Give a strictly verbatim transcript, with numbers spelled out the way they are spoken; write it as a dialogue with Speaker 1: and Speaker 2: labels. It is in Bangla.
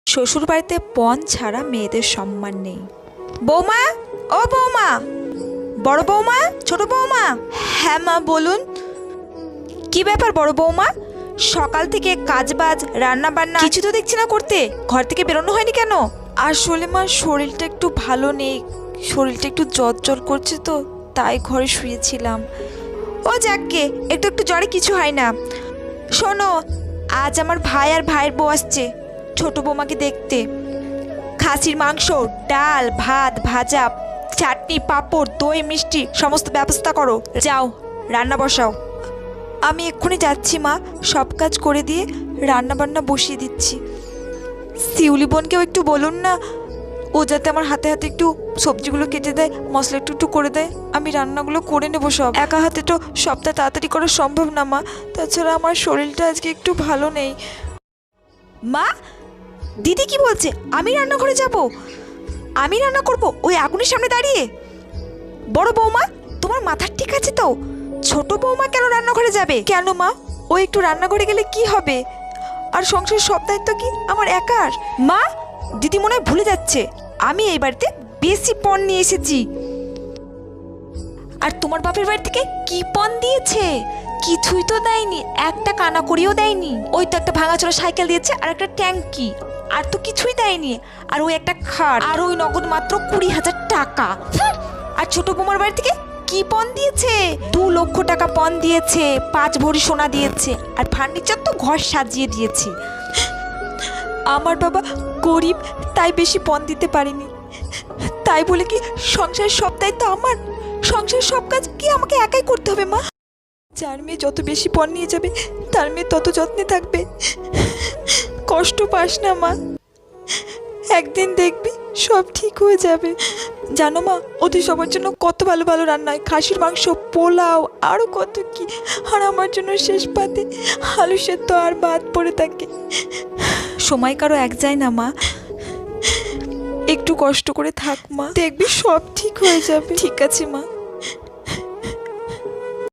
Speaker 1: শ্বশুর বাড়িতে পণ ছাড়া মেয়েদের সম্মান নেই। বৌমা, ও বৌমা, বড় বৌমা, ছোট বৌমা। হ্যাঁ মা বলুন। কি ব্যাপার বড় বৌমা, সকাল থেকে কাজবাজ রান্না বান্না কিছু তো দেখছি না করতে, ঘর থেকে বেরোনো হয়নি কেন? আসলে মা শরীরটা একটু ভালো নেই, শরীরটা একটু জ্বর জ্বর করছে তো তাই ঘরে শুয়েছিলাম। ও যাকগে, একটু একটু জ্বরে কিছু হয় না। শোনো, আজ আমার ভাই আর ভাইয়ের বউ আসছে ছোট বৌমাকে দেখতে। খাসির মাংস, ডাল, ভাত, ভাজা, চাটনি, পাঁপড়, দই, মিষ্টি সমস্ত ব্যবস্থা করো। যাও রান্না বসাও। আমি এক্ষুনি যাচ্ছি মা, সব কাজ করে দিয়ে রান্না বান্না বসিয়ে দিচ্ছি। শিউলি বোনকেও একটু বলুন না, ও যাতে আমার হাতে হাতে একটু সবজিগুলো কেটে দেয়, মশলা একটু একটু করে দেয়, আমি রান্নাগুলো করে নেবো সব। একা হাতে তো সবটা তাড়াতাড়ি করা সম্ভব না মা, তাছাড়া আমার শরীরটা আজকে একটু ভালো নেই। মা, দিদি কি বলছে আমি রান্নাঘরে যাব? আমি রান্না করব ওই আগুনের সামনে দাঁড়িয়ে? বড় বৌমা, তোমার মাথা ঠিক আছে তো? ছোট বৌমা কেন রান্নাঘরে যাবে? কেন মা, ও একটু রান্নাঘরে গেলে কি হবে? আর সংসারের সব দায়িত্ব কি আমার একার? মা, দিদি মনে হয় ভুলে যাচ্ছে আমি এই বাড়িতে বেশি পণ নিয়ে এসেছি। আর তোমার বাপের বাড়ি থেকে কি পণ দিয়েছে? কিছুই তো দেয়নি, একটা কানা করিও দেয়নি। ওই তো একটা ভাঙাচোরা সাইকেল দিয়েছে আর একটা ট্যাঙ্কি, আর তো কিছুই দেয়নি। আর ওই একটা খাট, আর ওই নগদ মাত্র কুড়ি হাজার টাকা। আর ছোট বৌমার বাড়ি থেকে কি পণ দিয়েছে? দু লক্ষ টাকা পণ দিয়েছে, পাঁচ ভরি সোনা দিয়েছে, আর ফার্নিচার তো ঘর সাজিয়ে দিয়েছে। আমার বাবা গরিব, তাই বেশি পণ দিতে পারিনি। তাই বলে কি সংসারের সব দায়িত্ব আমার? সংসারের সব কাজ কি আমাকে একাই করতে হবে মা? যার মেয়ে যত বেশি পণ নিয়ে যাবে তার মেয়ে তত যত্নে থাকবে। কষ্ট পাস না মা, একদিন দেখবি সব ঠিক হয়ে যাবে। জানো মা, ওদের সবার জন্য কত ভালো ভালো রান্না হয়, খাসির মাংস, পোলাও, আরও কত কি। আর আমার জন্য শেষ পাতে আলু সেদ্ধ আর ভাত পড়ে থাকে। সময় কারো এক যায় না মা, একটু কষ্ট করে থাক মা, দেখবি সব ঠিক হয়ে যাবে। ঠিক আছে মা।